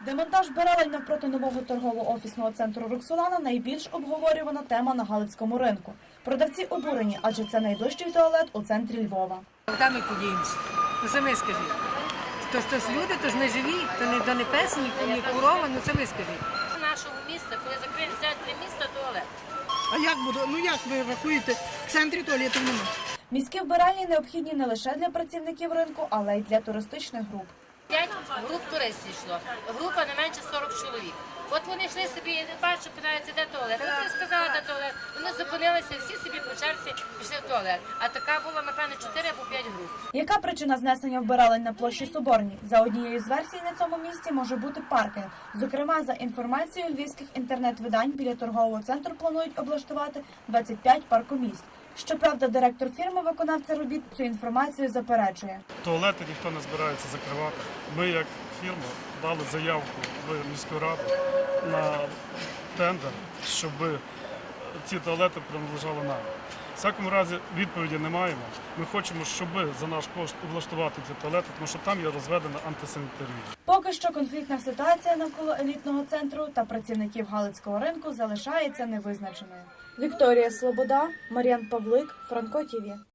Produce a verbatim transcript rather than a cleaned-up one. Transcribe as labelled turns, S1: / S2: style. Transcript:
S1: Демонтаж вбиралень навпроти нового торгово-офісного центру «Роксолана» – найбільш обговорювана тема на Галицькому ринку. Продавці обурені, адже це найближчий туалет у центрі Львова.
S2: Куди ми подіємося? Ну самі скажіть. То ж, то ж люди, то ж не живі, то не, то не пес, ні, ні корова, ну самі скажіть.
S3: Нашого міста, коли закриють в центрі міста, туалет.
S4: А як буде? Ну як ви рахуєте, в центрі туалетів немає?
S1: Міські вбиральні необхідні не лише для працівників ринку, але й для туристичних груп.
S3: П'ять груп туристів йшло. Група не менше сорок чоловік. От вони йшли собі, бачу, питаються, де туалет. От я сказала, де туалет. Вони зупинилися, всі собі по черзі пішли в туалет. А така була, напевно, чотири або п'ять груп.
S1: Яка причина знесення вбиралень на площі Соборній? За однією з версій, на цьому місці може бути паркінг. Зокрема, за інформацією львівських інтернет-видань, біля торгового центру планують облаштувати двадцять п'ять паркомісць. Щоправда, директор фірми-виконавця робіт цю інформацію заперечує.
S5: Туалети ніхто не збирається закривати. Ми, як фірма, дали заявку в міську раду на тендер, щоб ці туалети принадлежали нам. В всякому разі, відповіді не маємо. Ми хочемо, щоб за наш кошт облаштувати ці туалети, тому що там є розведена антисанітарія.
S1: Поки що конфліктна ситуація навколо елітного центру та працівників Галицького ринку залишається невизначеною. Вікторія Слобода, Мар'ян Павлик, Франко ТІВІ.